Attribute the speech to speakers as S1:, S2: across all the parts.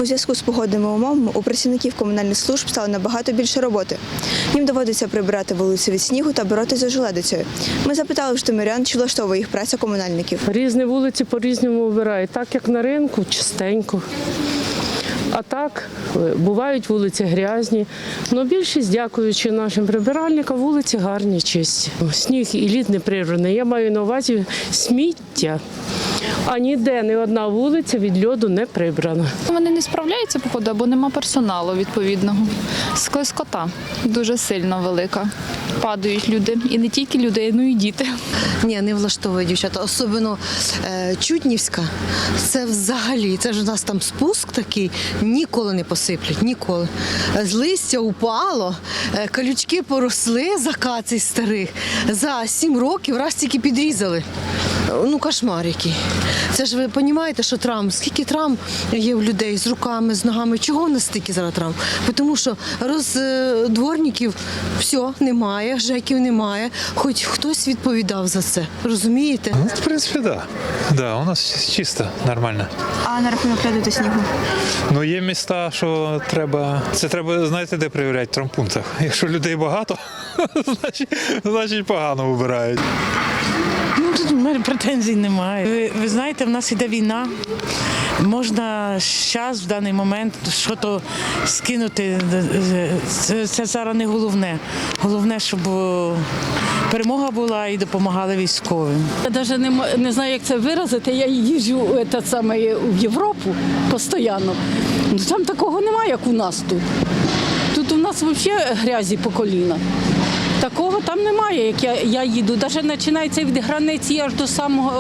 S1: У зв'язку з погодними умовами у працівників комунальних служб стало набагато більше роботи. Їм доводиться прибирати вулиці від снігу та боротися з ожеледицею. Ми запитали в житомирян, чи влаштовує їх праця комунальників.
S2: Різні вулиці по-різному вибирають, так як на ринку, чистенько. А так, бувають вулиці грязні. Але більшість, дякуючи нашим прибиральникам, вулиці гарні, чисті. Сніг і лід неприродний. Я маю на увазі сміття. А ніде ні одна вулиця від льоду не прибрана.
S3: Вони не справляються, походу, або нема персоналу відповідного. Склизкота дуже сильно велика. Падають люди. І не тільки люди, але й діти.
S4: Ні, не влаштовує дівчата. Особливо Чуднівська. Це взагалі, це ж у нас там спуск такий, ніколи не посиплять, ніколи. З листя упало, колючки поросли з акацій старих. За 7 років раз тільки підрізали. Ну, кошмар який. Це ж ви розумієте, що травм, скільки травм є у людей з руками, з ногами, чого в нас стільки зараз травм? Тому що дворників все, немає, ЖЕКів немає, хоч хтось відповідав за це, розумієте?
S5: Ну, в принципі, так. Да, у нас чисто, нормально.
S1: А на рахунок льоду та снігу?
S5: Ну, є міста, що треба, це треба, знаєте, де перевіряти? В травмпунктах. Якщо людей багато, значить погано вибирають.
S6: Ну, тут у мене претензій немає. Ви знаєте, в нас іде війна. Можна зараз, в даний момент, щось скинути. Це зараз не головне. Головне, щоб перемога була і допомагали військовим.
S7: Я навіть не знаю, як це виразити. Я їжджу в Європу постійно. Там такого немає, як у нас тут. Тут у нас взагалі грязі по коліна. Такого там немає, як я їду. Навіть починається від границі аж до самого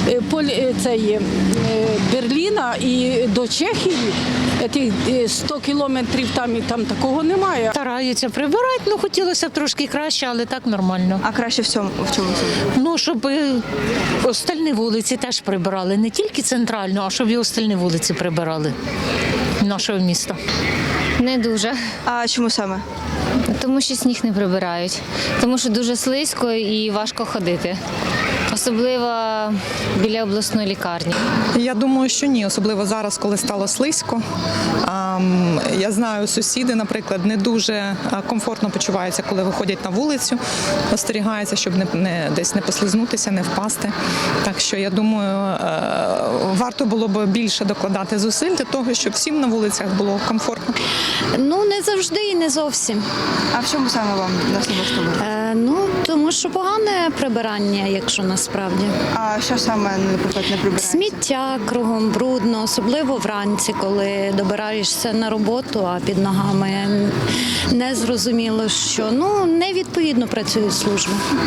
S7: Берліна і до Чехії. 100 кілометрів там такого немає.
S8: Стараються прибирати, ну хотілося б трошки краще, але так нормально.
S1: А краще в чому?
S8: Ну, щоб остальні вулиці теж прибирали, не тільки центральну, а щоб і остальні вулиці прибирали нашого міста.
S9: Не дуже,
S1: А чому саме?
S9: тому що сніг не прибирають, тому що дуже слизько і важко ходити. Особливо біля обласної лікарні.
S10: Я думаю, що ні, особливо зараз, коли стало слизько. Я знаю, сусіди, наприклад, не дуже комфортно почуваються, коли виходять на вулицю, остерігаються, щоб десь не послизнутися, не впасти. Так що, я думаю, варто було б більше докладати зусиль для того, щоб всім на вулицях було комфортно.
S11: Ну, не завжди і не зовсім.
S1: А в чому саме вам нас не влаштовує?
S11: Ну, тому що погане прибирання, якщо насправді.
S1: А що саме, наприклад, не прибирається?
S11: Сміття кругом брудно, особливо вранці, коли добираєшся на роботу, а під ногами не зрозуміло, що невідповідно працюють служби.